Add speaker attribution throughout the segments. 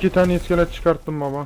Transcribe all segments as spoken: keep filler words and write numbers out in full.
Speaker 1: iki tane iskelet çıkarttım baba.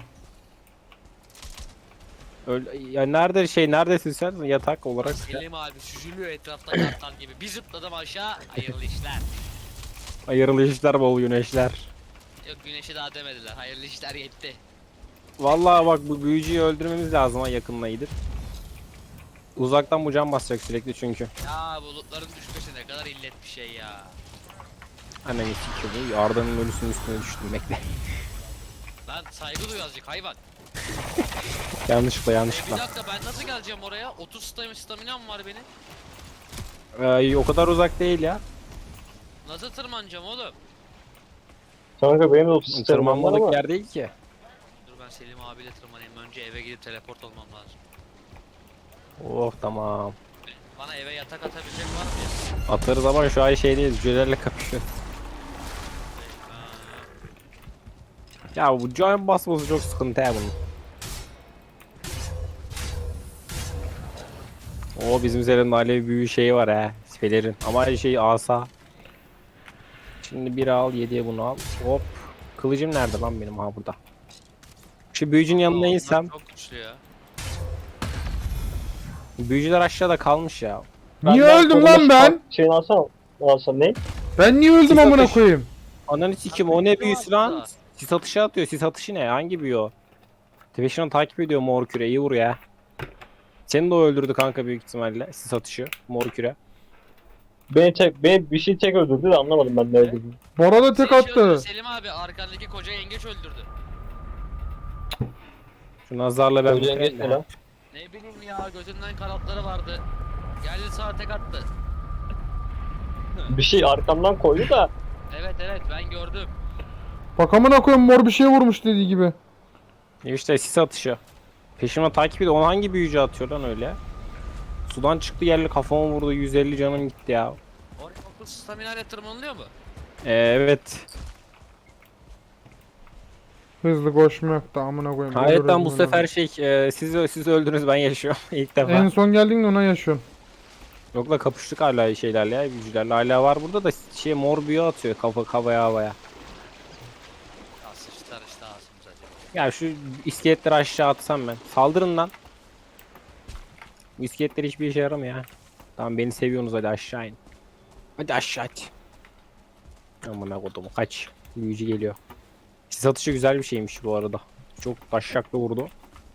Speaker 2: Öyle, ya nerede şey neredesin sen yatak olarak?
Speaker 3: Selim abi süzülüyor etrafta kartal gibi. Bir zıpladım aşağı. Hayırlı işler.
Speaker 2: Hayırlı işler bol güneşler.
Speaker 3: Yok güneşi daha demediler. Hayırlı işler yetti.
Speaker 2: Vallahi bak bu büyücüyü öldürmemiz lazım ha yakınına gidip. Uzaktan bu can basacak sürekli çünkü.
Speaker 3: Ya bulutların düşmesi ne kadar illet bir şey ya.
Speaker 2: Anne sikiyor bu. Arda'nın ölüsünün üstüne düştüm bekle.
Speaker 3: Lan saygı duy azıcık hayvan.
Speaker 2: yanlışlıkla
Speaker 3: E, bir
Speaker 2: yanlışlıkla.
Speaker 3: dakika ben nasıl geleceğim oraya? otuz stamina staminam var benim.
Speaker 2: Ee, o kadar uzak değil ya.
Speaker 3: Nasıl tırmanacağım oğlum?
Speaker 4: Kanka benim de otuz sistemim var
Speaker 2: Tırmanmalık
Speaker 4: ama.
Speaker 2: yer değil ki.
Speaker 3: Dur ben Selim abiyle tırmanayım. Önce eve gidip teleport olmam lazım.
Speaker 2: Oh tamam.
Speaker 3: Bana eve yatak atabilecek var mı ya?
Speaker 2: Atarız ama şu an şeydeyiz. Cücelerle kapışıyoruz.
Speaker 3: Ha,
Speaker 2: Ya bu can basması çok sıkıntı ya bunun. O bizim üzerimde alev büyü şeyi var ha. Pelerin. Ama şey asa. Şimdi bir al yediye bunu al. Hop. Kılıcım nerede lan benim ha burada. Şu büyücünün yanına
Speaker 3: onlar
Speaker 2: insem.
Speaker 3: çok güçlü ya.
Speaker 2: Büyücüler aşağıda kalmış ya.
Speaker 1: Niye
Speaker 4: Ben-
Speaker 1: öldüm
Speaker 4: ben
Speaker 1: lan ben?
Speaker 4: Şeyini alsana. Alsam ne?
Speaker 1: Ben niye öldüm
Speaker 2: Sis
Speaker 1: amına
Speaker 2: atış.
Speaker 1: koyayım?
Speaker 2: Ananı sikim
Speaker 3: Abi
Speaker 2: o ne
Speaker 3: büyücü
Speaker 2: büyüsü
Speaker 3: var
Speaker 2: lan?
Speaker 3: burada.
Speaker 2: Sis atışı atıyor. Sis atışı ne? Hangi büyü o? Tepeşinden takip ediyor mor küre. İyi vur ya. Seni de o öldürdü kanka büyük ihtimalle. Sis atışı. Mor küre.
Speaker 4: Beni tek, beni bir şey tek öldürdü de anlamadım ben ne öldürdüğünü.
Speaker 1: Bora da tek
Speaker 3: Seni şey öldürdü,
Speaker 1: attı.
Speaker 3: Selim abi arkandaki koca yengeç öldürdü.
Speaker 2: Şu nazarla ben
Speaker 4: Öldüren
Speaker 2: bitireyim
Speaker 4: geçme
Speaker 2: de.
Speaker 4: lan.
Speaker 3: Ne bileyim ya gözünden kanatları vardı. Geldi sağa tek attı.
Speaker 4: Bir şey arkamdan koydu da.
Speaker 3: Evet evet ben gördüm.
Speaker 1: Bak amına koyayım mor bir şey vurmuş dediği gibi.
Speaker 2: İşte sis atışı. Peşimden takip ediyor. Onu hangi büyücü atıyor lan öyle? Sudan çıktı yerle kafama vurdu. yüz elli canım gitti ya.
Speaker 3: Oraya okul stamina ile tırmanılıyor mu?
Speaker 2: Ee, evet.
Speaker 1: Hızlı koşma yok da amına koyayım.
Speaker 2: Hayretten
Speaker 1: Ölürüz
Speaker 2: bu
Speaker 1: bunu.
Speaker 2: sefer şey e, siz siz öldünüz ben yaşıyorum ilk defa.
Speaker 1: En son geldiğinde ona yaşıyorum.
Speaker 2: Yok la kapıştık hala şeylerle ya büyücülerle. Hala var burada da şey mor büyü atıyor kafa kafaya havaya.
Speaker 3: Ya sıçtılar işte ağzımıza acaba.
Speaker 2: Ya şu iskeletleri aşağı atsam ben. Saldırın lan. Bu iskeletler hiçbir işe yaramıyor ya. Tamam beni seviyorsunuz hadi aşağı in. Hadi aşağı at. Aman kodumu kaç. Büyücü geliyor. Sis atışı güzel bir şeymiş bu arada. Çok taşşaklı vurdu.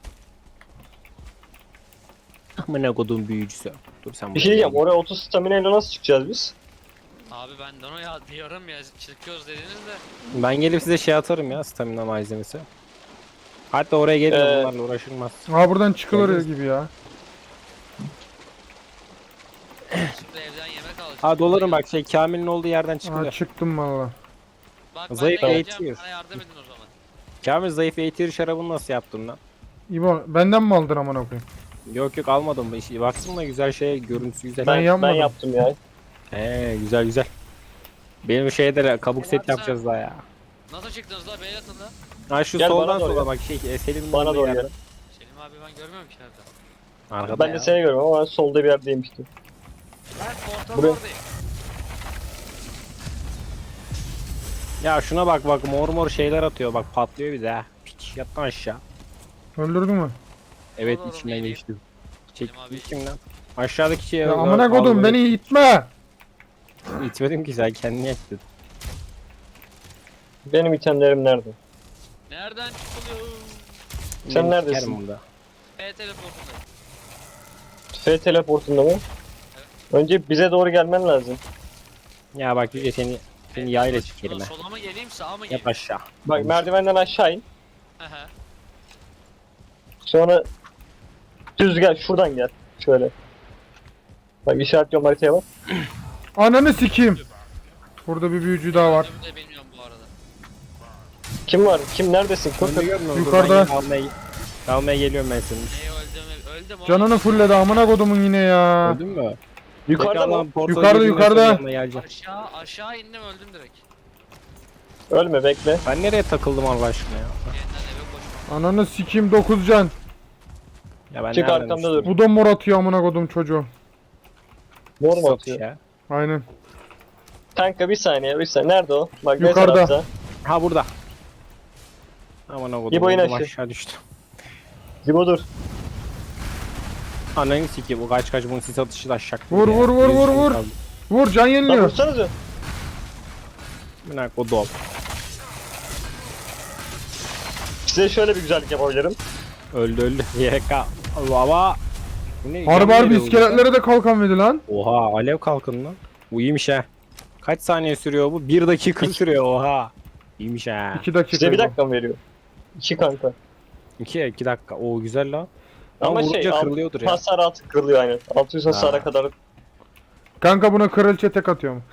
Speaker 2: Aman kodum büyücüsü. Dur sen
Speaker 4: Bir şey
Speaker 2: buraya
Speaker 4: diyeceğim.
Speaker 2: gel.
Speaker 4: Oraya otuz stamina ile nasıl çıkacağız biz?
Speaker 3: Abi ben de onu ya diyorum ya çıkıyoruz dediniz de.
Speaker 2: Ben gelip size şey atarım ya stamina malzemesi. Hatta oraya gelin
Speaker 4: Ee,
Speaker 2: bunlarla uğraşılmaz.
Speaker 1: Aa buradan çıkılır
Speaker 2: Geldiniz.
Speaker 1: gibi ya.
Speaker 3: Şimdi evden yemek alacağım.
Speaker 2: Ha dolarım bak şey Kamil'in olduğu yerden
Speaker 1: Aa
Speaker 2: çıkılıyor.
Speaker 1: çıktım valla.
Speaker 3: Bak ben
Speaker 2: Zayıf
Speaker 3: de geleceğim
Speaker 2: eğitiyor.
Speaker 3: bana yardım edin o zaman.
Speaker 2: Kamil zayıf eğitir şarabını nasıl yaptın lan?
Speaker 1: İbo benden mi aldın amına koyayım?
Speaker 2: Yok yok almadım. İşte baksın da güzel şey görüntüsü güzel.
Speaker 1: Ben
Speaker 4: Ben, ben,
Speaker 1: yapmadım.
Speaker 4: yaptım ya.
Speaker 2: He güzel güzel. Benim şeyde kabuk set
Speaker 3: Yapsana.
Speaker 2: yapacağız daha ya.
Speaker 3: Nasıl çıktınız la beyler atında?
Speaker 2: Ha şu
Speaker 4: Gel bana
Speaker 2: soldan
Speaker 4: doğru
Speaker 2: sola
Speaker 4: gel.
Speaker 2: bak şey e, Selim'in
Speaker 4: Bana
Speaker 2: olduğu
Speaker 4: doğru
Speaker 2: yerden.
Speaker 4: gel.
Speaker 3: Selim abi ben görmüyorum ki nerede.
Speaker 2: Arkada
Speaker 4: Ben
Speaker 2: ya.
Speaker 4: de seni görüyorum ama solda bir yerdeymiştim.
Speaker 3: Ben portal
Speaker 4: Buraya-
Speaker 3: oradayım.
Speaker 2: Ya şuna bak bak mor mor şeyler atıyor bak patlıyor bir de ha. Piç yattan aşağı.
Speaker 1: Öldürdün mü?
Speaker 2: Evet
Speaker 3: Doğru,
Speaker 2: içinden
Speaker 3: doğru,
Speaker 2: geçtim. Çek
Speaker 3: Selim abi.
Speaker 2: içimden. Aşağıdaki şey.
Speaker 1: Ya amına koydum beni itme.
Speaker 2: İtmedim ki sen kendini ettin.
Speaker 4: Benim itemlerim nerede?
Speaker 3: Nereden çıkılıyor?
Speaker 4: Sen
Speaker 2: Beni
Speaker 4: neredesin?
Speaker 2: sikerim burada.
Speaker 3: P teleportunda.
Speaker 4: F teleportunda mı? Önce bize doğru gelmen lazım.
Speaker 2: Ya bak Yüce seni seni yayla sikerim ha.
Speaker 3: Sola mı geleyim sağa mı
Speaker 2: Yap
Speaker 3: geleyim?
Speaker 2: aşağı.
Speaker 4: Bak
Speaker 2: Olmuş.
Speaker 4: merdivenden aşağı in.
Speaker 3: Aha.
Speaker 4: Sonra düz gel. Şuradan gel. Şöyle. Bak işaretliyorum haritaya bak.
Speaker 1: Ananı sikeyim. Burada bir büyücü daha var.
Speaker 3: Öldüğümü de bilmiyorum bu arada.
Speaker 4: Kim var? Kim neredesin? Kurt.
Speaker 2: Önde görmüyor musun?
Speaker 1: Yukarıda.
Speaker 2: Ben Almaya, almaya geliyorum ben senin.
Speaker 3: Neye öldüm? Öldüm oğlum.
Speaker 1: Canını fulledi amına kodumun yine ya.
Speaker 2: Öldün mü?
Speaker 4: Yukarıda mı?
Speaker 1: Yukarıda, yukarıda.
Speaker 3: Aşağı aşağı indim öldüm direkt.
Speaker 4: Ölme bekle.
Speaker 2: Ben nereye takıldım Allah aşkına ya?
Speaker 3: Yeniden eve koşma.
Speaker 1: Ananı sikeyim dokuz can.
Speaker 2: Ya ben
Speaker 4: Çık
Speaker 2: nereden
Speaker 4: arkamda
Speaker 2: düştüm?
Speaker 4: dur.
Speaker 1: Bu da mor atıyor amına kodum çocuğu.
Speaker 4: Mor mu
Speaker 2: Satış
Speaker 4: atıyor?
Speaker 2: ya.
Speaker 1: Aynen.
Speaker 4: Kanka bir saniye bir saniye. Nerede o? Bak ne
Speaker 1: Yukarıda.
Speaker 4: tarafta?
Speaker 2: Ha burada. Aman o
Speaker 4: İbo in
Speaker 2: kadar
Speaker 4: aşağı.
Speaker 2: aşağı düştü.
Speaker 4: Zibo dur.
Speaker 2: Ananı sikeyim bu kaç kaç bunun sis atışı da aşağı.
Speaker 1: Vur, vur, vur, vur, vur. Vur, can
Speaker 4: Lan
Speaker 1: yeniliyor.
Speaker 4: vursanıza.
Speaker 2: Bırak o dol.
Speaker 4: Size şöyle bir güzellik yapabilirim.
Speaker 2: Öldü öldü. Y K. Baba. Bu ne?
Speaker 1: Harbi
Speaker 2: Yan
Speaker 1: harbi
Speaker 2: veriyor bu
Speaker 1: iskeletlere de kalkan verdi lan.
Speaker 2: ya. Oha alev kalkın lan. Bu iyiymiş ha. Kaç saniye sürüyor bu? Bir dakika sürüyor oha. İyiymiş ha.
Speaker 1: iki dakika.
Speaker 4: Size bir dakika mı veriyor? İki kanka.
Speaker 2: İki, iki dakika. Oo güzel lan.
Speaker 4: Ama
Speaker 2: Ama
Speaker 4: şey
Speaker 2: vurunca
Speaker 4: alt-
Speaker 2: kırılıyordur ya.
Speaker 4: hasar altı kırılıyor aynen. altı yüz hasara
Speaker 2: Ha.
Speaker 4: kadar.
Speaker 1: Kanka buna kraliçe tek atıyorum.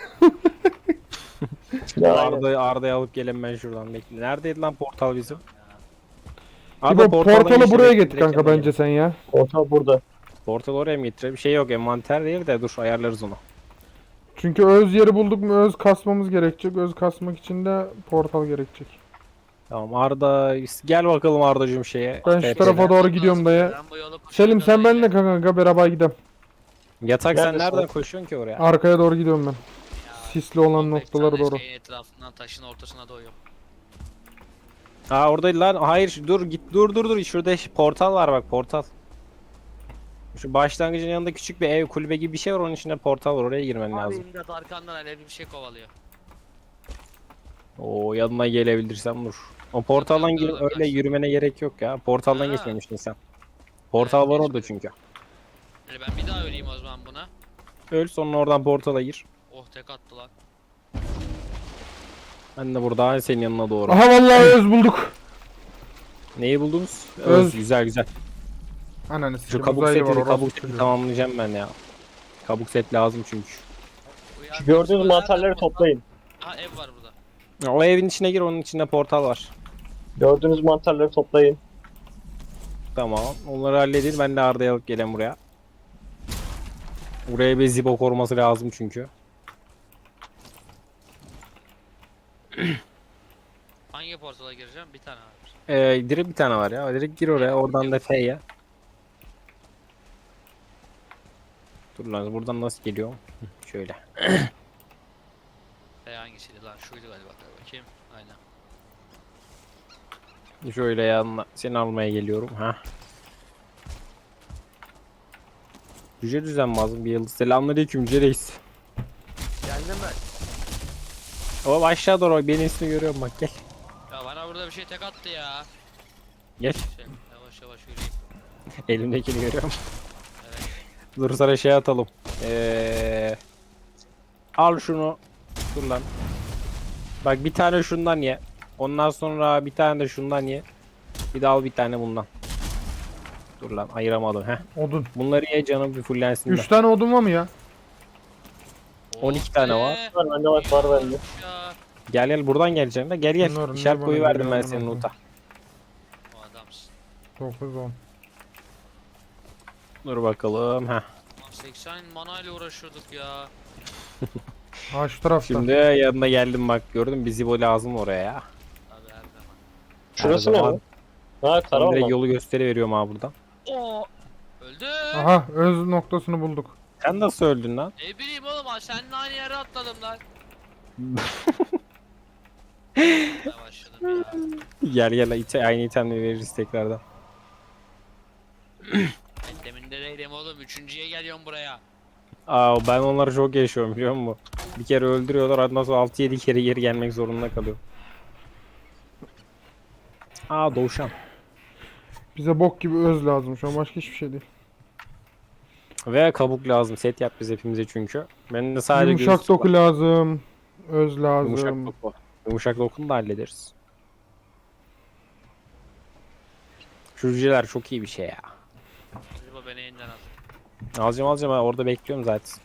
Speaker 4: Ya, aynen.
Speaker 2: Arda, Arda'yı alıp gelin ben şuradan bekle. Neredeydi lan portal bizim?
Speaker 1: İbo
Speaker 2: portaldan
Speaker 1: portalı
Speaker 2: geçti,
Speaker 1: buraya
Speaker 2: bekle,
Speaker 1: git
Speaker 2: direkt
Speaker 1: kanka
Speaker 2: yanına
Speaker 1: bence
Speaker 2: gel.
Speaker 1: sen ya.
Speaker 4: Portal burada.
Speaker 2: Portal oraya mı getirelim? Bir şey yok envanter değil de dur ayarlarız onu.
Speaker 1: Çünkü öz yeri bulduk mu öz kasmamız gerekecek. Öz kasmak için de portal gerekecek.
Speaker 2: Tamam Arda gel bakalım Arda'cığım şeye.
Speaker 1: Ben şu
Speaker 2: T P'ye.
Speaker 1: tarafa doğru gidiyorum dayı.
Speaker 3: Ben bu yolu
Speaker 1: Selim sen
Speaker 3: koşuyorum
Speaker 1: benimle kanka beraber gidelim.
Speaker 2: Yatak sen
Speaker 4: Neredesin?
Speaker 2: nereden koşuyorsun ki oraya?
Speaker 1: Arkaya doğru gidiyorum ben.
Speaker 3: ya.
Speaker 1: Sisli olan
Speaker 3: on beş
Speaker 1: noktalara
Speaker 3: tane
Speaker 1: doğru.
Speaker 3: Şeyin etrafından taşın ortasına doyuyorum.
Speaker 2: Aa oradaydı lan. Hayır dur git dur dur dur. Şurada ş- portal var bak portal. Şu başlangıcın yanında küçük bir ev kulübe gibi bir şey var onun içinde portal var oraya girmen
Speaker 3: Abi
Speaker 2: lazım.
Speaker 3: imdat arkandan alevli bir şey kovalıyor.
Speaker 2: Oo yanına gelebilirsem dur. O portaldan
Speaker 3: Dur, dur,
Speaker 2: girip
Speaker 3: dur,
Speaker 2: öyle
Speaker 3: kaç.
Speaker 2: yürümene gerek yok ya. Portaldan
Speaker 3: Ha.
Speaker 2: geçmemiştin sen. Portal var
Speaker 3: Evet,
Speaker 2: orada çünkü.
Speaker 3: Yani ben bir daha öleyim o zaman buna.
Speaker 2: Öl sonra oradan portala gir.
Speaker 3: Oh tek attı lan.
Speaker 2: Ben de burada senin yanına doğru.
Speaker 1: Aha vallahi öz bulduk.
Speaker 2: Neyi buldunuz?
Speaker 1: Öz.
Speaker 2: Öz. Güzel güzel.
Speaker 1: Ananı
Speaker 2: Şu
Speaker 1: sikeyim
Speaker 2: kabuk
Speaker 1: uzaylı var
Speaker 2: seti,
Speaker 1: orası
Speaker 2: kabuk seti
Speaker 1: çocuğu.
Speaker 2: tamamlayacağım ben ya. Kabuk set lazım çünkü.
Speaker 3: Uyan-
Speaker 4: Şu gördüğünüz
Speaker 3: Nereden
Speaker 4: mantarları
Speaker 3: portal?
Speaker 4: toplayın.
Speaker 3: Ha ev var burada.
Speaker 2: O evin içine gir onun içinde portal var.
Speaker 4: Gördüğünüz mantarları toplayın.
Speaker 2: Tamam. Onları halledin. Ben de Arda'yı alıp gelen buraya. Buraya bir zibo koruması lazım çünkü.
Speaker 3: Hangi portala gireceğim? Bir tane var.
Speaker 2: Ee, direkt bir tane var ya. Direkt gir oraya. Oradan da F'ye. Dur lan buradan nasıl geliyor? Hı, şöyle.
Speaker 3: E hangisiydi lan? Şuydu galiba. Bakayım. Aynen.
Speaker 2: Şöyle yanına seni almaya geliyorum. Ha. Yüce düzenmazım bir yıldız. Selamünaleyküm Yüce Reis.
Speaker 3: Geldim ben.
Speaker 2: Oğlum aşağı doğru bak, benim ismini görüyorum bak gel.
Speaker 3: Ya bana burada bir şey tek attı ya.
Speaker 2: Gel.
Speaker 3: Şey, yavaş yavaş yürüyeyim.
Speaker 2: Elimdekini görüyorum.
Speaker 3: Evet.
Speaker 2: Dur sana şey atalım. Ee, al şunu. Dur lan. Bak bir tane şundan ye. Ondan sonra bir tane de şundan ye. Bir de al bir tane bundan. Dur lan ayıramadım heh.
Speaker 1: Odun.
Speaker 2: Bunları ye canım bir fullensin de.
Speaker 1: üç tane odun var mı ya?
Speaker 2: on iki tane var.
Speaker 3: be.
Speaker 4: Var bende var, var bende.
Speaker 3: Ya.
Speaker 2: Gel gel buradan geleceksin de gel gel.
Speaker 1: Bunlar ne
Speaker 2: İşaret
Speaker 1: bana
Speaker 2: koyu verdim
Speaker 1: geliyor
Speaker 2: ben
Speaker 1: amına
Speaker 2: senin
Speaker 1: koyayım.
Speaker 2: uta.
Speaker 3: O adamsın.
Speaker 1: dokuz on.
Speaker 2: Dur bakalım heh.
Speaker 3: Lan seksen manayla uğraşıyorduk ya.
Speaker 1: Ha şu tarafta.
Speaker 2: Şimdi yanına geldim bak gördün mü bizi bu lazım oraya ya.
Speaker 3: Abi her zaman.
Speaker 4: Şurası
Speaker 2: Her
Speaker 4: ne
Speaker 2: zaman.
Speaker 4: lan? Ha
Speaker 2: Ben
Speaker 4: karavan
Speaker 2: direkt
Speaker 4: mı?
Speaker 2: yolu gösteriveriyorum ha buradan.
Speaker 3: Oo. Öldü.
Speaker 1: Aha öz noktasını bulduk.
Speaker 2: Sen nasıl öldün lan?
Speaker 3: Ne bileyim oğlum ha seninle aynı yere atladım lan. Ne başladım ya.
Speaker 2: Gel gel ite, aynı itemleri veririz tekrardan.
Speaker 3: Ben demin de değilim oğlum. Üçüncüye geliyorum buraya.
Speaker 2: Aa ben onları çok yaşıyorum biliyor musun? Bir kere öldürüyorlar ondan sonra altı yedi kere geri gelmek zorunda kalıyor. Aa Doğuşan.
Speaker 1: Bize bok gibi öz lazım şu an başka hiçbir şey değil.
Speaker 2: Ve kabuk lazım. Set yap biz hepimize çünkü. Benim de sadece
Speaker 1: Yumuşak
Speaker 2: gözlük
Speaker 1: doku
Speaker 2: var.
Speaker 1: lazım. Öz lazım.
Speaker 2: Yumuşak doku. Yumuşak dokunu da hallederiz. Şu cüceler çok iyi bir şey ya.
Speaker 3: Acaba beni yeniden al.
Speaker 2: Alacağım alacağım ha, orada bekliyorum zaten.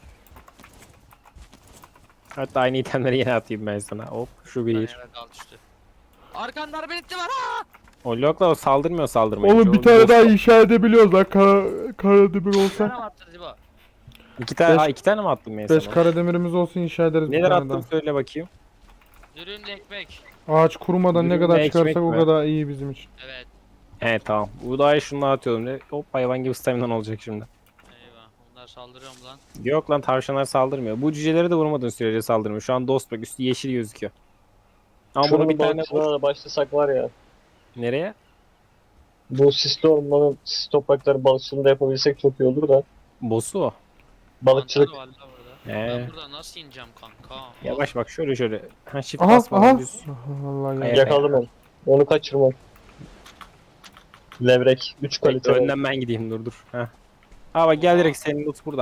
Speaker 2: Hatta aynı itemleri yine atayım ben sana. Hop şu
Speaker 3: Ben
Speaker 2: bir.
Speaker 3: yere kal düştü. Arkandan beni itti var ha.
Speaker 2: O lokla o saldırmıyor saldırmayı.
Speaker 1: Oğlum bir
Speaker 2: O
Speaker 1: tane
Speaker 2: boss-
Speaker 1: daha inşa edebiliyoruz lan. Kara, kara demir
Speaker 3: Bir
Speaker 1: olsa.
Speaker 3: tane mi attı Zibo?
Speaker 2: İki tane,
Speaker 1: Beş-
Speaker 2: aa, iki tane mi attın ben
Speaker 1: beş
Speaker 2: sana?
Speaker 1: kara demirimiz olsun inşa ederiz bir
Speaker 2: Neler
Speaker 1: tane
Speaker 2: attın
Speaker 1: daha.
Speaker 2: söyle bakayım.
Speaker 3: Dürümle ekmek.
Speaker 1: Ağaç kurumadan ne
Speaker 2: Dürümle
Speaker 1: kadar
Speaker 2: ekmek
Speaker 1: çıkarsak o
Speaker 2: mi?
Speaker 1: kadar iyi bizim için.
Speaker 3: Evet.
Speaker 2: He tamam. Buğdayı şundan atıyorum. Ne? Hop hayvan gibi staminan olacak şimdi.
Speaker 3: Eyvah. Bunlar saldırıyor mu lan?
Speaker 2: Yok lan tavşanlar saldırmıyor. Bu cüceleri de vurmadığın sürece saldırmıyor. Şu an dost bak üstü yeşil gözüküyor. Ama bunu
Speaker 4: Şunun
Speaker 2: bir tane
Speaker 4: balıkçılığına
Speaker 2: vur.
Speaker 4: da başlasak var ya.
Speaker 2: Nereye?
Speaker 4: Bu sisli ormanın sis toprakları balıkçılığını da yapabilsek çok iyi olur da.
Speaker 2: Boss'u o.
Speaker 4: Balıkçılık.
Speaker 3: Mantar var la burada.
Speaker 2: He.
Speaker 3: Ben buradan nasıl ineceğim kanka?
Speaker 2: Yavaş bak şöyle şöyle. Ha shift
Speaker 1: Aha
Speaker 2: basmadan
Speaker 1: aha.
Speaker 2: düz.
Speaker 1: Vallahi
Speaker 2: Kaya-
Speaker 1: ya.
Speaker 4: Yakaladım onu. Onu kaçırmam. Levrek. üç
Speaker 2: Bekle,
Speaker 4: kalite. var.
Speaker 2: önden ben gideyim dur dur. Ha. Ha bak gel direkt senin loot burada.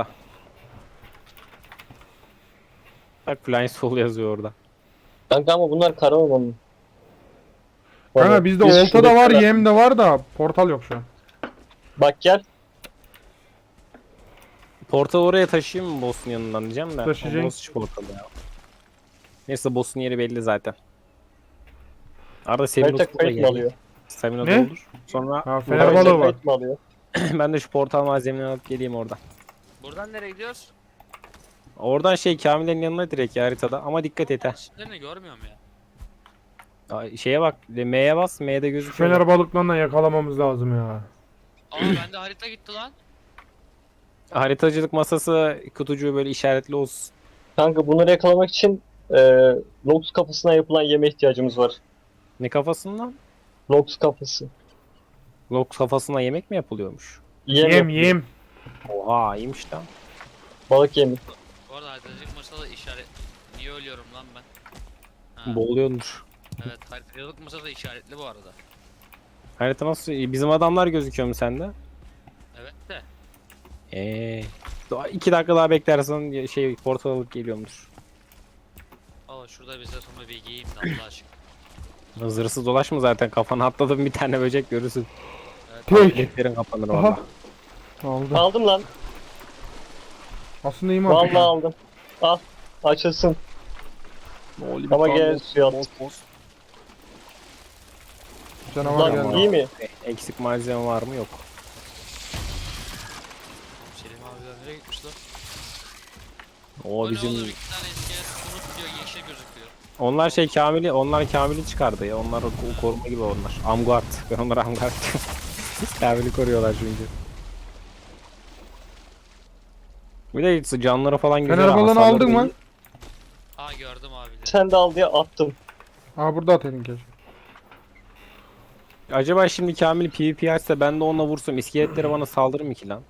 Speaker 2: Bak Flying Soul yazıyor orada.
Speaker 4: Kanka ama bunlar kara ormanı.
Speaker 1: Kanka bizde
Speaker 4: Biz
Speaker 1: olta da var,
Speaker 4: şuradakiler-
Speaker 1: yem de var da portal yok şu an.
Speaker 4: Bak gel.
Speaker 2: Portal oraya taşıyayım mı boss'un yanından diyeceğim de.
Speaker 1: Taşıyacak.
Speaker 2: O boss hiç portal ya. Neyse boss'un yeri belli zaten. Arada senin
Speaker 4: Harita
Speaker 2: loot burada
Speaker 4: kayıt mı
Speaker 2: geliyor.
Speaker 4: alıyor?
Speaker 2: Stamina
Speaker 1: Ne?
Speaker 2: doldur. Sonra
Speaker 1: Ha fener
Speaker 4: Harita
Speaker 1: balığı var.
Speaker 4: kayıt mı alıyor?
Speaker 2: ben de şu portal malzemelerini alıp geleyim oradan.
Speaker 3: Buradan nereye gidiyoruz?
Speaker 2: Oradan şey Kamil'in yanına direkt ya haritada ama dikkat et ha.
Speaker 3: Şimdi görmüyorum ya.
Speaker 2: Aa, Şeye bak M'ye bas M'de
Speaker 1: Şu
Speaker 2: gözüküyor.
Speaker 1: fener balıklarından yakalamamız lazım ya.
Speaker 3: Aa bende harita gitti lan.
Speaker 2: Haritacılık masası kutucuğu böyle işaretli olsun.
Speaker 4: Kanka bunları yakalamak için e, Lox kafasına yapılan yeme ihtiyacımız var.
Speaker 2: Ne kafasından?
Speaker 4: Lox kafası.
Speaker 2: Lok kafasına yemek mi yapılıyormuş?
Speaker 4: Yem,
Speaker 1: Yem
Speaker 4: yapıyor.
Speaker 1: yem.
Speaker 2: Oha iyiymiş lan.
Speaker 4: Balık yemi.
Speaker 3: Bu arada haritacılık masada işaret... Niye ölüyorum lan ben? Ha,
Speaker 2: Boğuluyormuş.
Speaker 3: evet haritacılık masada işaretli bu arada.
Speaker 2: Harita nasıl? Bizim adamlar gözüküyor mu sende?
Speaker 3: Evet de.
Speaker 2: Eee. Daha iki dakika daha beklersen şey portal alıp geliyormuş.
Speaker 3: Aa şurada bize sonra bir giyeyim de Allah aşkına.
Speaker 2: Zırhsız dolaşma zaten kafana atladım bir tane böcek görürsün.
Speaker 3: Evet,
Speaker 1: Tek.
Speaker 2: Letlerin kapanır
Speaker 1: Aha.
Speaker 2: valla.
Speaker 1: Aldı.
Speaker 4: Aldım lan.
Speaker 1: Aslında iyi mi
Speaker 4: Vallahi aldım. Al. Açılsın. Ama gel suya at.
Speaker 1: Canavar
Speaker 4: Lan
Speaker 1: geldi.
Speaker 4: iyi mi?
Speaker 2: Eksik malzeme var mı? Yok.
Speaker 3: Selim abiler nereye gitmiş lan?
Speaker 2: O
Speaker 3: O
Speaker 2: bizim
Speaker 3: ne oğlum iki tane iskelet unut diyor yeşil gözüküyor.
Speaker 2: onlar şey Kamil'i onlar Kamil'i çıkardı ya. Onlar o- koruma gibi onlar. Amguard. Ben onlara Amguard diyorum. Kamil'i koruyorlar çünkü. Bir de canları falan güzel.
Speaker 1: Fener balığını
Speaker 2: hasarları
Speaker 1: aldın
Speaker 2: da
Speaker 1: mı?
Speaker 2: iyi.
Speaker 3: Aa gördüm abileri.
Speaker 4: Sen de al diye attım.
Speaker 1: Aa burada atayım keşke.
Speaker 2: Acaba şimdi Kamil PvP açsa ben de onunla vursam iskeletleri bana saldırır mı ki lan?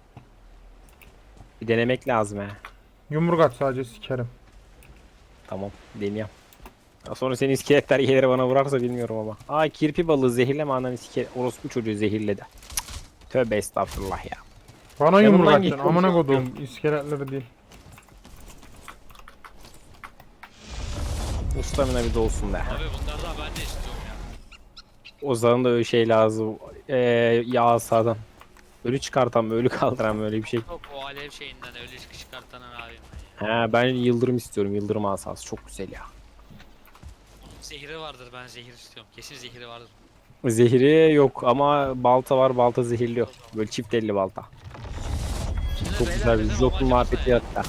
Speaker 2: Bir denemek lazım he.
Speaker 1: Yumruk at sadece sikerim.
Speaker 2: Tamam deneyeyim. Ya sonra senin iskeletler gelir bana vurarsa bilmiyorum ama. Aa kirpi balığı zehirleme anan iskelet. Orospu çocuğu zehirledi. Cık. Tövbe estağfurullah ya.
Speaker 1: Bana
Speaker 2: Yanımdan
Speaker 1: yumruk
Speaker 2: git,
Speaker 1: atacaksın. Amına
Speaker 2: konuşuyorum.
Speaker 1: kodum. İskeletleri değil.
Speaker 2: Ustamina bir de olsun be.
Speaker 3: Abi bunlardan ben de istiyorum ya.
Speaker 2: Ozan'ın da öyle şey lazım. Ee, yağ sağdan. Ölü çıkartan ölü kaldıran böyle bir şey.
Speaker 3: Yok o alev şeyinden öyle çıkış çıkartanan abim.
Speaker 2: He ben yıldırım istiyorum. Yıldırım asası çok güzel ya.
Speaker 3: Zehri vardır ben zehir istiyorum. Kesin zehri vardır.
Speaker 2: Zehri yok ama balta var. Balta zehirli yok. Böyle çift elli balta.
Speaker 3: Şimdi
Speaker 2: Çok
Speaker 3: beyler,
Speaker 2: güzel bir
Speaker 3: bizim
Speaker 2: Jok'un
Speaker 3: amacımız
Speaker 2: muhabbeti
Speaker 3: ne?
Speaker 2: hatta.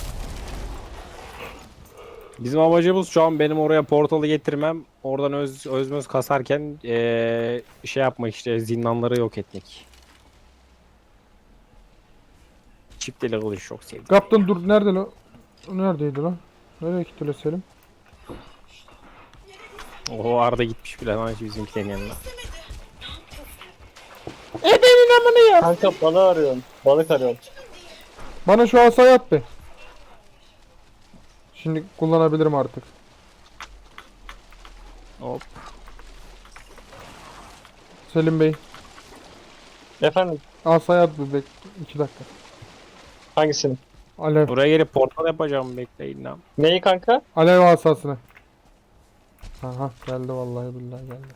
Speaker 2: Bizim amacımız şu an benim oraya portalı getirmem. Oradan öz, özmöz kasarken ee, şey yapmak işte zindanları yok etmek. Çift eli kılıç çok sevdim.
Speaker 1: Kaptan dur nerede lan? O neredeydi lan? Nereye gitti lan Selim?
Speaker 2: Oho Arda gitmiş bile lan bizimkilerin yanına.
Speaker 1: Ebenin amını ya.
Speaker 4: Kanka balığı arıyorum. Balık arıyorum.
Speaker 1: Bana şu asayı at be. Şimdi kullanabilirim artık.
Speaker 2: Hop.
Speaker 1: Selim Bey.
Speaker 4: Efendim
Speaker 1: Asayı at bir bek. iki dakika.
Speaker 4: hangisini?
Speaker 1: Alev.
Speaker 2: Buraya gelip portal yapacağım bekleyin lan.
Speaker 4: Neyi kanka?
Speaker 1: Alev asasını. Aha geldi vallahi billahi geldi.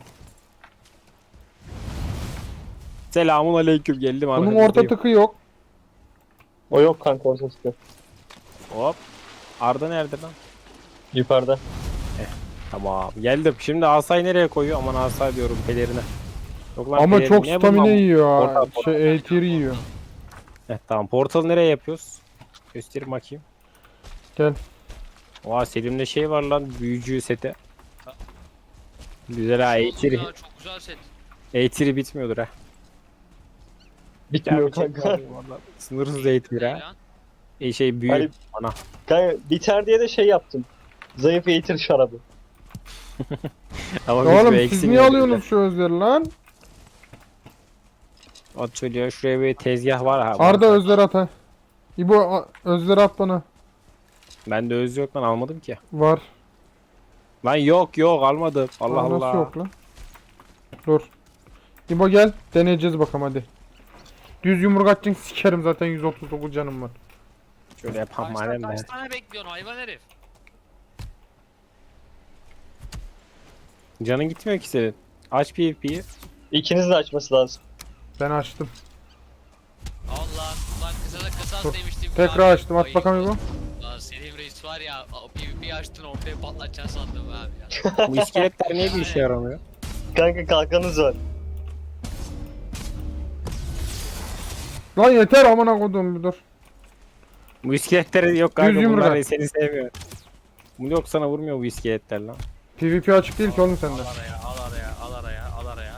Speaker 2: Selamun aleyküm geldim
Speaker 1: Bunun
Speaker 2: arkanızdayım.
Speaker 1: orta tıkı yok.
Speaker 4: O yok kanka ortası yok.
Speaker 2: Hop. Arda nerede lan?
Speaker 4: Yukarıda.
Speaker 2: Tamam geldim. Şimdi asayı nereye koyuyor? Aman asay diyorum pelerine. Yok lan
Speaker 1: Ama
Speaker 2: pelerin
Speaker 1: çok
Speaker 2: niye
Speaker 1: stamina
Speaker 2: bundan-
Speaker 1: yiyor ha.
Speaker 2: Portal, portal.
Speaker 1: Şey eğitir yiyor.
Speaker 2: Heh, tamam portalı nereye yapıyoruz? Göstereyim bakayım.
Speaker 1: Gel.
Speaker 2: Oha Selim'de şey var lan büyücü seti. Güzel ha
Speaker 3: Olsun
Speaker 2: eğitiri.
Speaker 3: ya, çok güzel set.
Speaker 2: Eğitiri bitmiyordur ha.
Speaker 4: Bitmiyor
Speaker 2: Gerçekten
Speaker 4: kanka.
Speaker 2: vallahi Sınırsız eğitir
Speaker 3: Ne
Speaker 2: ha.
Speaker 3: lan?
Speaker 2: E, şey büyü.
Speaker 4: Hani-
Speaker 2: Ana.
Speaker 4: Kanka biter diye de şey yaptım. Zayıf eğitir şarabı.
Speaker 2: Ama biz
Speaker 1: Oğlum
Speaker 2: bir
Speaker 1: siz
Speaker 2: eksiğimiz
Speaker 1: niye
Speaker 2: var.
Speaker 1: alıyorsunuz şu özleri lan?
Speaker 2: At çocuğa şuraya bir tezgah var ha.
Speaker 1: Arda
Speaker 2: var.
Speaker 1: özleri at ha. İbo a- özleri at bana.
Speaker 2: Bende öz yok lan almadım ki.
Speaker 1: Var.
Speaker 2: Lan yok yok almadım. Allah
Speaker 1: Aa, nasıl
Speaker 2: Allah.
Speaker 1: yok lan? Dur. İbo gel. Deneyeceğiz bakalım hadi. Düz yumruk atacaksın sikerim zaten yüz otuz dokuz canım var.
Speaker 2: Şöyle yapalım
Speaker 3: Kaçtan
Speaker 2: madem
Speaker 3: kaç
Speaker 2: ben.
Speaker 3: tane bekliyorsun hayvan herif?
Speaker 2: Canın gitmiyor ki senin. Aç PvP'yi.
Speaker 4: İkiniz de açması lazım.
Speaker 1: Ben açtım.
Speaker 3: Allah lan kısa da kısas
Speaker 1: Dur.
Speaker 3: demiştim.
Speaker 1: Tekrar açtım. At bakalım İbo.
Speaker 3: Lan Selim Reis var ya o PvP'yi açtın ortaya patlatacaksın sandım abi ya.
Speaker 2: Bu iskeletler niye bir işe yaramıyor?
Speaker 4: Kanka kalkanınız var.
Speaker 1: Lan yeter amına koduğum bir dur.
Speaker 2: Bu iskeletleri yok kanka
Speaker 1: Düz yumruk
Speaker 2: bunlar
Speaker 1: at.
Speaker 2: seni sevmiyor. Bu yok sana vurmuyor bu iskeletler lan.
Speaker 1: PvP açık değil ki oğlum
Speaker 3: Al
Speaker 1: sende.
Speaker 3: araya al araya al araya al araya.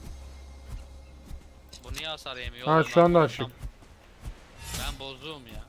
Speaker 3: Bu niye hasar yemiyor?
Speaker 1: Ha,
Speaker 3: oğlum?
Speaker 1: şu anda
Speaker 3: Ben-
Speaker 1: açık.
Speaker 3: Ben bozuğum ya.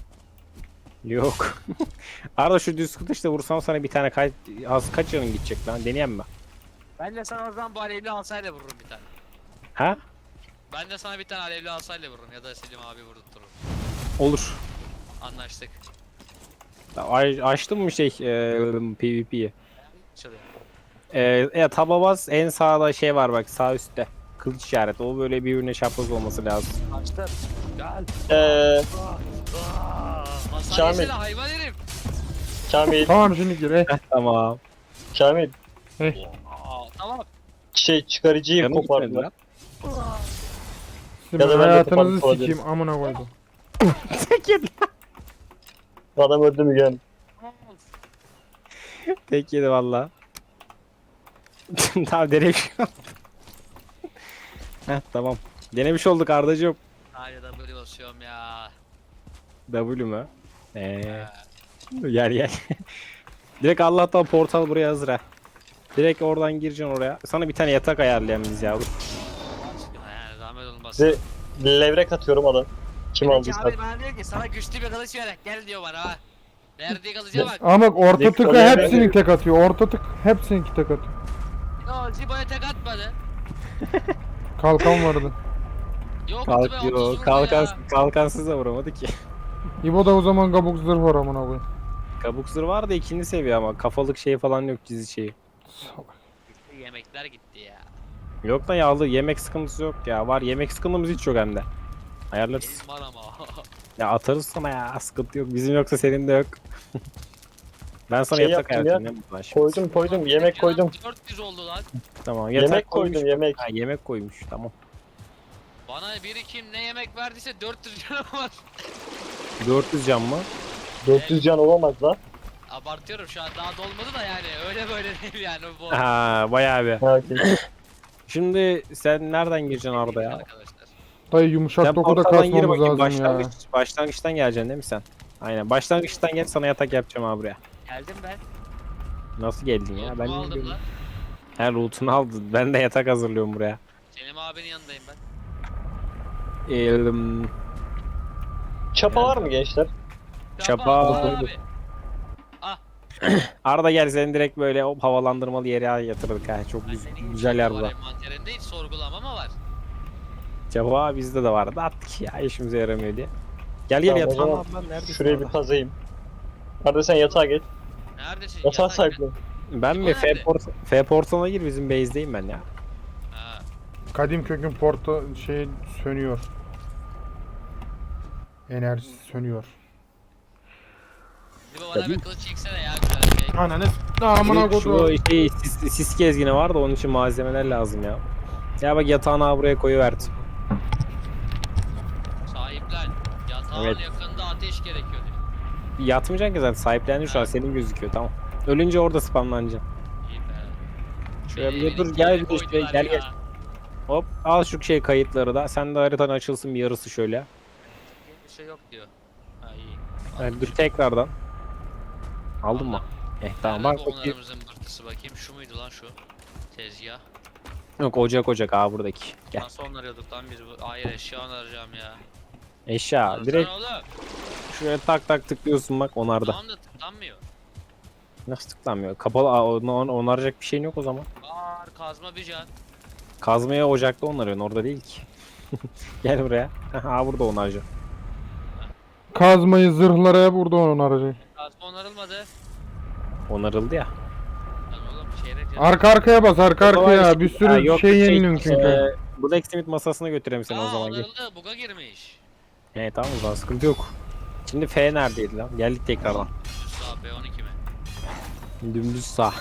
Speaker 2: Yok. Arada şu düz kılıçla vursam sana bir tane kaç az kaç canın gidecek lan deneyem mi?
Speaker 3: Ben de sana o zaman bu alevli asayla vururum bir tane.
Speaker 2: Ha?
Speaker 3: Ben de sana bir tane alevli asayla vururum ya da Selim abi vurdurturum.
Speaker 2: Olur.
Speaker 3: Anlaştık.
Speaker 2: A- açtın mı şey e, PvP'yi?
Speaker 3: Çalıyor.
Speaker 2: E, e, taba bas en sağda şey var bak sağ üstte. Kılıç işareti. O böyle birbirine çapraz olması lazım.
Speaker 3: Açtım. Gel.
Speaker 4: Eee
Speaker 3: Hasar
Speaker 4: Kamil.
Speaker 3: yesene hayvan herif.
Speaker 4: Kamil,
Speaker 1: Tamam şimdi gir. Eh.
Speaker 2: Tamam.
Speaker 4: Kamil.
Speaker 1: Eh.
Speaker 3: Aa, tamam.
Speaker 4: Şey çıkarıcıyı
Speaker 2: Canım gitmedi
Speaker 4: kopardılar.
Speaker 2: lan.
Speaker 1: Sizin
Speaker 4: Ya da ben de
Speaker 1: hayatınızı
Speaker 4: kapalı
Speaker 1: sikeyim amına koydum.
Speaker 2: Tek yedi.
Speaker 4: Adam öldü mü gel.
Speaker 2: Tek yedi valla. Tamam denemiş. Heh tamam. Denemiş olduk Ardacığım.
Speaker 3: Hayır W basıyorum ya.
Speaker 2: W mü? Eee. Gel gel. Direkt Allah'tan portal buraya hazır ha. Direkt oradan gireceksin oraya. Sana bir tane yatak ayarlayan biz ya. Dur.
Speaker 3: Aşkına yani zahmet olmasın.
Speaker 4: Size levrek atıyorum adam. Kim
Speaker 3: Peki
Speaker 4: aldıysa.
Speaker 3: abi bana diyor ki sana güçlü bir kılıç ver gel diyor bana ha. Verdiği kılıca bak.
Speaker 1: Ama bak orta
Speaker 4: Direkt
Speaker 1: tıkı
Speaker 4: oraya
Speaker 1: hepsinin
Speaker 4: ben-
Speaker 1: tek atıyor. Orta tık hepsinin tek atıyor.
Speaker 3: Yo Zibo'ya tek atmadı.
Speaker 1: Kalkan vardı.
Speaker 3: Yok
Speaker 2: Kalk
Speaker 3: be, otuz
Speaker 2: yo,
Speaker 3: vurdu
Speaker 2: kalkan,
Speaker 3: ya.
Speaker 2: kalkansız da vuramadı ki.
Speaker 1: İbo da o zaman kabuk zırh var amına koyayım.
Speaker 2: Kabuk zırh var da ikinci seviye ama kafalık şeyi falan yok dizi şeyi.
Speaker 1: Salak.
Speaker 3: Yemekler gitti ya.
Speaker 2: Yok da yağlı yemek sıkıntısı yok ya. Var yemek sıkıntımız hiç yok hem de. Ayarlarız.
Speaker 3: Benim var ama.
Speaker 2: Ya atarız sana ya sıkıntı yok. Bizim yoksa senin de yok. Ben sana
Speaker 4: Şey
Speaker 2: yatak
Speaker 4: yaptım ya,
Speaker 2: ayarlayayım. ya. Şimdi.
Speaker 4: Koydum koydum yemek koydum.
Speaker 3: dört yüz oldu lan.
Speaker 2: Tamam yatak
Speaker 4: Yemek
Speaker 2: koymuş.
Speaker 4: koydum yemek.
Speaker 2: Ha, yemek koymuş tamam.
Speaker 3: Bana biri kim ne yemek verdiyse dört yüz lira var.
Speaker 2: dört yüz can mı?
Speaker 4: dört yüz can olamaz lan.
Speaker 3: Abartıyorum şu an daha dolmadı da yani öyle böyle değil yani bu.
Speaker 2: Ha bayağı bir.
Speaker 4: Ha, okey.
Speaker 2: Şimdi sen nereden gireceksin Arda ya?
Speaker 3: Arkadaşlar.
Speaker 1: Dayı yumuşak
Speaker 2: Sen
Speaker 1: dokuda
Speaker 2: portaldan gir
Speaker 1: kasmamız
Speaker 2: bakayım.
Speaker 1: lazım ya.
Speaker 2: Başlangıç, başlangıçtan geleceksin değil mi sen? Aynen. Başlangıçtan gel sana yatak yapacağım abi buraya.
Speaker 3: Geldim ben.
Speaker 2: Nasıl geldin ya? Ben
Speaker 3: Loot'umu aldım
Speaker 2: bilmiyorum.
Speaker 3: lan.
Speaker 2: He loot'unu aldın. Ben de yatak hazırlıyorum buraya.
Speaker 3: Selim abinin yanındayım ben.
Speaker 2: Eee,
Speaker 4: Çapa var mı gençler?
Speaker 2: Çapa
Speaker 3: al
Speaker 2: aldım.
Speaker 3: abi.
Speaker 2: Arda gel seni direkt böyle hop havalandırmalı yere yatırdık ha. Çok
Speaker 3: Ay,
Speaker 2: güz-
Speaker 3: senin
Speaker 2: güzel
Speaker 3: için
Speaker 2: yer
Speaker 3: var,
Speaker 2: bu.
Speaker 3: envanterinde hiç sorgulama mı var?
Speaker 2: Cevap bizde de vardı. Attık ya işimize yaramıyor diye. Gel gel
Speaker 4: Tamam, o
Speaker 2: yatağın
Speaker 4: zaman
Speaker 2: abi lan neredesin?
Speaker 4: Şuraya bir
Speaker 2: Arda?
Speaker 4: kazayım. Arada sen yatağa geç.
Speaker 3: Neredesin?
Speaker 4: Yatağa
Speaker 3: Yatak-
Speaker 4: sahiplen.
Speaker 2: Ben mi?
Speaker 3: O
Speaker 2: F,
Speaker 3: nerede?
Speaker 2: port F portalına gir bizim base'deyim ben ya.
Speaker 3: Ha.
Speaker 1: Kadim kökün porta şey sönüyor. Enerjisi sönüyor.
Speaker 3: Bir bana bir kılıç çeksene ya güzel şey.
Speaker 1: Ananı s- amına
Speaker 2: Direkt
Speaker 1: koydum.
Speaker 2: Şu şey, sis, sis gezgini var da onun için malzemeler lazım ya. Ya bak yatağını abi buraya koyuverdim.
Speaker 3: Sahiplen. Yatağın
Speaker 2: Evet.
Speaker 3: yakında ateş gerekiyor diyor.
Speaker 2: Yatmayacaksın ki zaten sahiplendin şu an senin gözüküyor tamam. Ölünce orada spamlanacaksın.
Speaker 3: İyi be.
Speaker 2: Şöyle
Speaker 3: Beni
Speaker 2: bir dur
Speaker 3: evin
Speaker 2: gel
Speaker 3: içine
Speaker 2: bir işte
Speaker 3: koydular
Speaker 2: gel
Speaker 3: ya.
Speaker 2: gel. Hop al şu şey kayıtları da. Sen de haritan açılsın bir yarısı şöyle.
Speaker 3: Bir şey yok diyor. Ha iyi.
Speaker 2: Yani dur tekrardan. Aldın mı? Eh tamam bak
Speaker 3: Nerede
Speaker 2: bakayım.
Speaker 3: onlarımızın mırtısı bakayım. Şu muydu lan şu? Tezgah.
Speaker 2: Yok ocak ocak abi buradaki. Gel.
Speaker 3: Nasıl onarıyorduk lan biz bu? Hayır eşya onaracağım ya.
Speaker 2: Eşya
Speaker 3: Onarsana
Speaker 2: direkt
Speaker 3: oğlum.
Speaker 2: şuraya tak tak tıklıyorsun bak onarda.
Speaker 3: Tamam da tıklanmıyor.
Speaker 2: Nasıl tıklanmıyor? Kapalı. Aa, onu, onu onaracak bir şeyin yok o zaman.
Speaker 3: Var kazma bir can.
Speaker 2: Kazmaya ocakta onarıyorsun. Orada değil ki. Gel buraya. Ha burada onaracağım.
Speaker 1: Kazmayı, zırhlara burada onu arayacak.
Speaker 3: Kazma onarılmadı.
Speaker 2: Onarıldı ya.
Speaker 3: Lan oğlum çeyrek can.
Speaker 1: Arka arkaya bas, arka arkaya.
Speaker 2: Kolay
Speaker 1: Bir
Speaker 2: şey-
Speaker 1: sürü
Speaker 2: Ha, yok,
Speaker 1: şey
Speaker 2: yok,
Speaker 1: yeniliyorsun çünkü.
Speaker 2: e, Blacksmith masasına götüreyim seni o
Speaker 3: Aa
Speaker 2: zaman. Gel.
Speaker 3: onarıldı. Buga girmiş.
Speaker 2: He tamam o zaman sıkıntı yok. Şimdi F neredeydi lan? Geldik tekrardan.
Speaker 3: Sağ B on iki mi?
Speaker 2: Dümdüz sağ.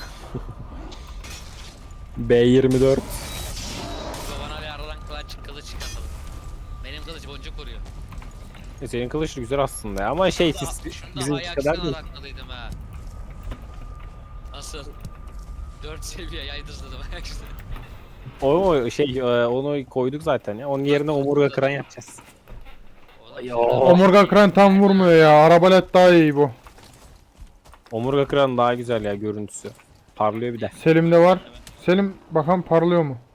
Speaker 2: B yirmi dört.
Speaker 3: Baba bana bir aradan kılıç kılıç çıkartalım. Benim kılıç boncuk vuruyor.
Speaker 2: E, senin kılıç güzel aslında ya. Ama şey siz
Speaker 3: Şunda
Speaker 2: bizim
Speaker 3: ayaksız
Speaker 2: kadar değil.
Speaker 3: araklıydım ha. Nasıl? dört seviye yaydızladım ayaksız.
Speaker 2: O o şey e, onu koyduk zaten ya. Onun yerine omurga kıran yapacağız.
Speaker 3: Oğlum,
Speaker 2: Yo.
Speaker 3: şurada-
Speaker 1: Omurga kıran tam vurmuyor ya. Arabalet daha iyi bu.
Speaker 2: Omurga kıran daha güzel ya görüntüsü. Parlıyor bir de.
Speaker 1: Selim'de var. Selim bakalım parlıyor mu?